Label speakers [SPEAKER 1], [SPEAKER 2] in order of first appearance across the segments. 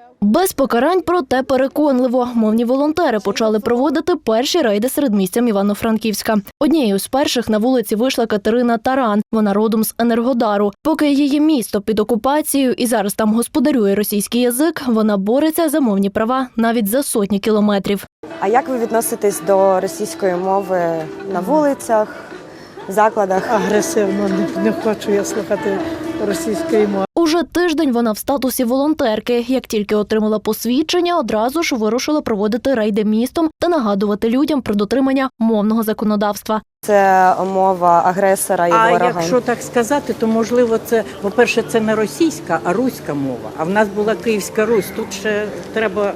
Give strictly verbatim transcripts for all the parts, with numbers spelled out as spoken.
[SPEAKER 1] Без покарань, проте переконливо. Мовні волонтери почали проводити перші рейди середмістям Івано-Франківська. Однією з перших на вулиці вийшла Катерина Таран. Вона родом з Енергодару. Поки її місто під окупацією і зараз там господарює російський язик, вона бореться за мовні права навіть за сотні кілометрів.
[SPEAKER 2] А як ви відноситесь до російської мови на вулицях, в закладах?
[SPEAKER 3] Агресивно, не, не хочу я слухати російської мови.
[SPEAKER 1] Уже тиждень вона в статусі волонтерки. Як тільки отримала посвідчення, одразу ж вирушила проводити рейди містом та нагадувати людям про дотримання мовного законодавства.
[SPEAKER 2] Це мова агресора і
[SPEAKER 3] А
[SPEAKER 2] ворога.
[SPEAKER 3] якщо так сказати, то можливо це, по-перше, це не російська, а руська мова. А в нас була Київська Русь, тут ще треба...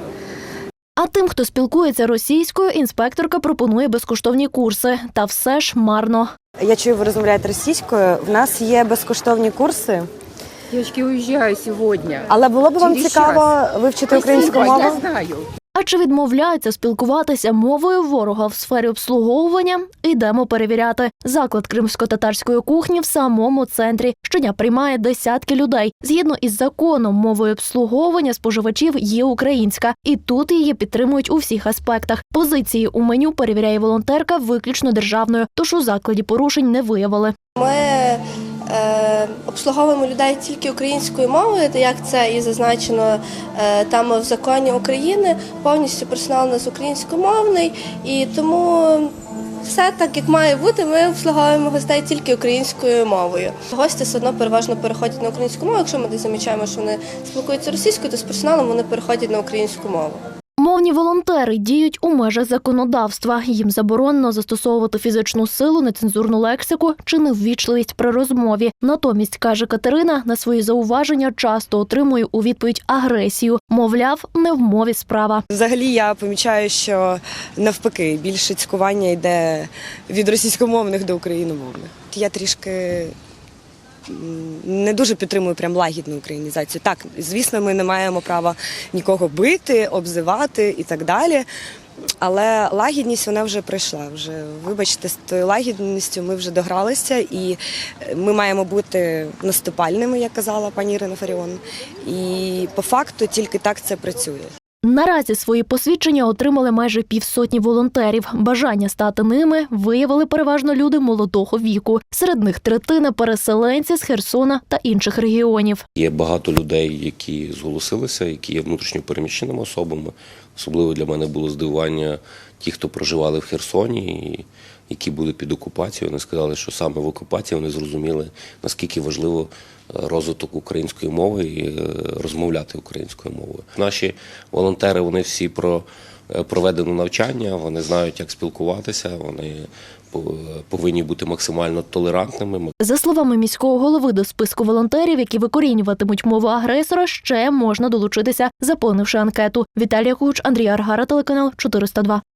[SPEAKER 1] А тим, хто спілкується російською, інспекторка пропонує безкоштовні курси. Та все ж марно.
[SPEAKER 2] Я чую, ви розмовляєте російською. В нас є безкоштовні курси.
[SPEAKER 4] Девочки, уезжаю сегодня.
[SPEAKER 2] Але було б вам
[SPEAKER 4] Через
[SPEAKER 2] цікаво
[SPEAKER 4] час.
[SPEAKER 2] вивчити українську
[SPEAKER 4] Спасибо,
[SPEAKER 2] мову?
[SPEAKER 4] Я знаю.
[SPEAKER 1] А чи відмовляються спілкуватися мовою ворога в сфері обслуговування? Йдемо перевіряти. Заклад кримсько-татарської кухні в самому центрі. Щодня приймає десятки людей. Згідно із законом, мовою обслуговування споживачів є українська. І тут її підтримують у всіх аспектах. Позиції у меню перевіряє волонтерка виключно державною, тож у закладі порушень не виявили.
[SPEAKER 5] Ми е, обслуговуємо людей тільки українською мовою, та як це і зазначено е, там в законі України, повністю персонал у нас українськомовний, і тому все так, як має бути, ми обслуговуємо гостей тільки українською мовою. Гості все одно переважно переходять на українську мову, якщо ми десь замічаємо, що вони спілкуються російською, то з персоналом вони переходять на українську мову.
[SPEAKER 1] Мовні волонтери діють у межах законодавства. Їм заборонено застосовувати фізичну силу, нецензурну лексику чи неввічливість при розмові. Натомість, каже Катерина, на свої зауваження часто отримує у відповідь агресію. Мовляв, не в мові справа.
[SPEAKER 2] Взагалі я помічаю, що навпаки більше цькування йде від російськомовних до україномовних. Я трішки не дуже підтримую прям лагідну українізацію. Так, звісно, ми не маємо права нікого бити, обзивати і так далі. Але лагідність вона вже пройшла. Вже, вибачте, з тою лагідністю ми вже догралися, і ми маємо бути наступальними, як казала пані Ірина Фаріон. І по факту тільки так це працює.
[SPEAKER 1] Наразі свої посвідчення отримали майже півсотні волонтерів. Бажання стати ними виявили переважно люди молодого віку. Серед них третина – переселенці з Херсона та інших регіонів.
[SPEAKER 6] Є багато людей, які зголосилися, які є внутрішньо переміщеними особами. Особливо для мене було здивування ті, хто проживали в Херсоні, і які були під окупацією. Вони сказали, що саме в окупації вони зрозуміли, наскільки важливо розвиток української мови і розмовляти українською мовою. Наші волонтери, вони всі про проведене навчання, вони знають, як спілкуватися, вони повинні бути максимально толерантними.
[SPEAKER 1] За словами міського голови, до списку волонтерів, які викорінюватимуть мову агресора, ще можна долучитися, заповнивши анкету. Віталія Куч, Андрій Аргара, телеканал чотириста два.